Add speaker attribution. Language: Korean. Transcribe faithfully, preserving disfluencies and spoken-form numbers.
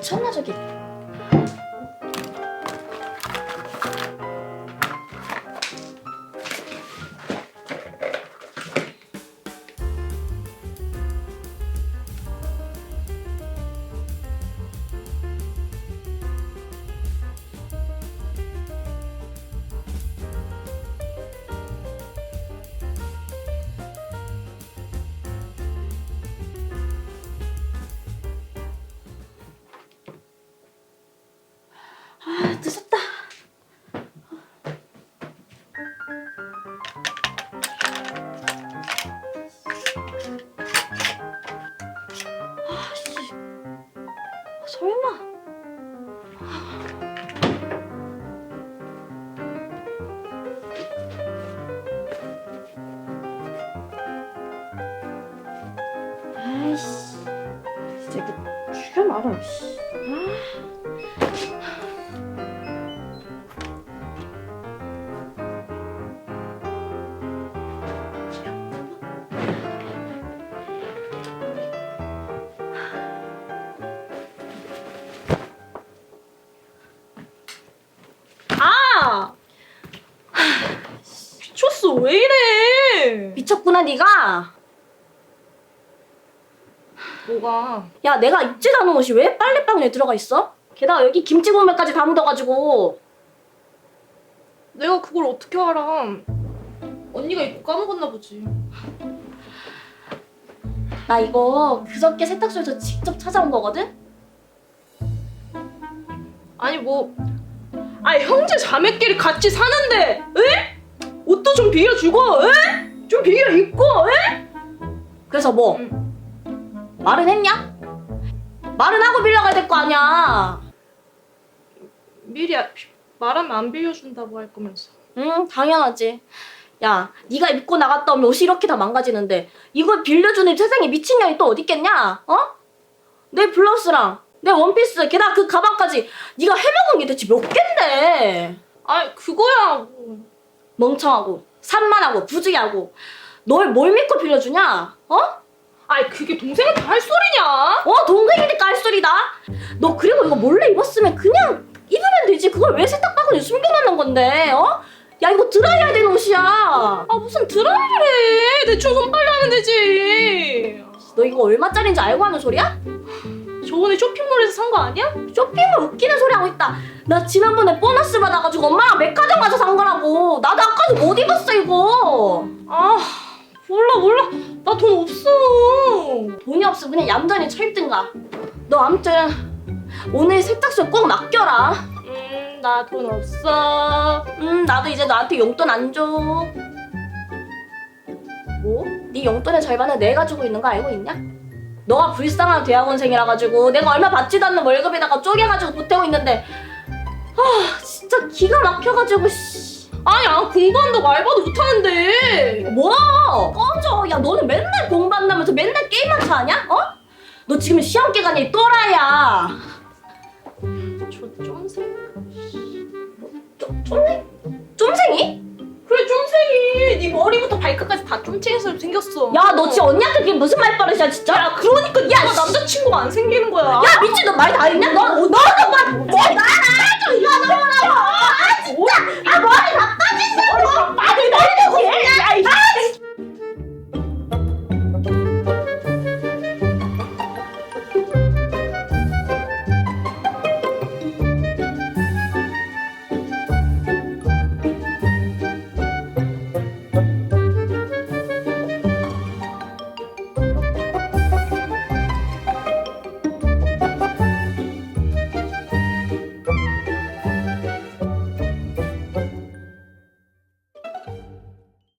Speaker 1: 미쳤나 저기. 아, 늦었다. 아, 씨. 설마. 아이씨. 진짜 이거 죽여 말아. 씨. 아.
Speaker 2: 아! 미쳤어, 왜 이래?
Speaker 1: 미쳤구나 네가.
Speaker 2: 뭐가?
Speaker 1: 야, 내가 입지도 않은 옷이 왜 빨래방에 들어가 있어? 게다가 여기 김치 국물까지 다 묻어가지고.
Speaker 2: 내가 그걸 어떻게 알아? 언니가 입고 까먹었나 보지.
Speaker 1: 나 이거 그저께 세탁소에서 직접 찾아온 거거든?
Speaker 2: 아니 뭐, 아 형제 자매끼리 같이 사는데, 에? 옷도 좀 빌려주고, 에? 좀 빌려 입고, 에?
Speaker 1: 그래서 뭐?
Speaker 2: 응.
Speaker 1: 말은 했냐? 말은 하고 빌려가야 될 거 아니야.
Speaker 2: 미리 아- 말하면 안 빌려준다고 할 거면서.
Speaker 1: 응, 당연하지. 야, 네가 입고 나갔다 오면 옷이 이렇게 다 망가지는데 이걸 빌려주는 세상에 미친년이 또 어디 있겠냐? 어? 내 블라우스랑 내 원피스 게다가 그 가방까지 네가 해먹은 게 대체 몇 갠데?
Speaker 2: 아 그거야 뭐.
Speaker 1: 멍청하고 산만하고 부주의하고 널 뭘 믿고 빌려주냐? 어?
Speaker 2: 아이 그게 동생한테 할 소리냐?
Speaker 1: 어, 동생이니까 할 소리다. 너 그리고 이거 몰래 입었으면 그냥 입으면 되지. 그걸 왜 세탁바구니에 숨겨놓는 건데? 어? 야, 이거 드라이해야 되는 옷이야.
Speaker 2: 아 무슨 드라이를 해? 대충 손빨래 하면 되지.
Speaker 1: 너 이거 얼마짜리인지 알고 하는 소리야?
Speaker 2: 저번에 쇼핑몰에서 산 거 아니야?
Speaker 1: 쇼핑을 웃기는 소리 하고 있다. 나 지난번에 보너스 받아가지고 엄마랑 백화점 가서 산 거라고. 나도 아까도 못 입었어 이거.
Speaker 2: 아 몰라 몰라 나 돈 없어.
Speaker 1: 돈이 없으면 그냥 얌전히 쳐입든가. 너 아무튼 오늘 세탁소에 꼭 맡겨라.
Speaker 2: 음 나 돈 없어.
Speaker 1: 음, 나도 이제 너한테 용돈 안 줘. 뭐? 네 용돈의 절반을 내가 주고 있는 거 알고 있냐? 너가 불쌍한 대학원생이라 가지고 내가 얼마 받지도 않는 월급에다가 쪼개가지고 보태고 있는데 아 진짜 기가 막혀가지고 씨.
Speaker 2: 아니 안 공부한다고 알바도 못하는데.
Speaker 1: 뭐야? 꺼져. 야, 너는 맨날 공부한다면서 맨날 게임만 차냐? 어? 너 지금 시험 기간이 또라이야.
Speaker 2: 저 쫌생?
Speaker 1: 좀, 쫌생? 쫌생이?
Speaker 2: 그래 쫌생이 네 머리부터 발끝까지 다 쫌생해서 생겼어.
Speaker 1: 야, 너 지금 언니한테 그게 무슨 말버릇이야 진짜?
Speaker 2: 야 그러니까
Speaker 1: 야,
Speaker 2: 네가
Speaker 1: 씨.
Speaker 2: 남자친구가 안 생기는 거야.
Speaker 1: 야, 미친, 너 말 다 했냐? 너, 너, 너, 너, 너, 너,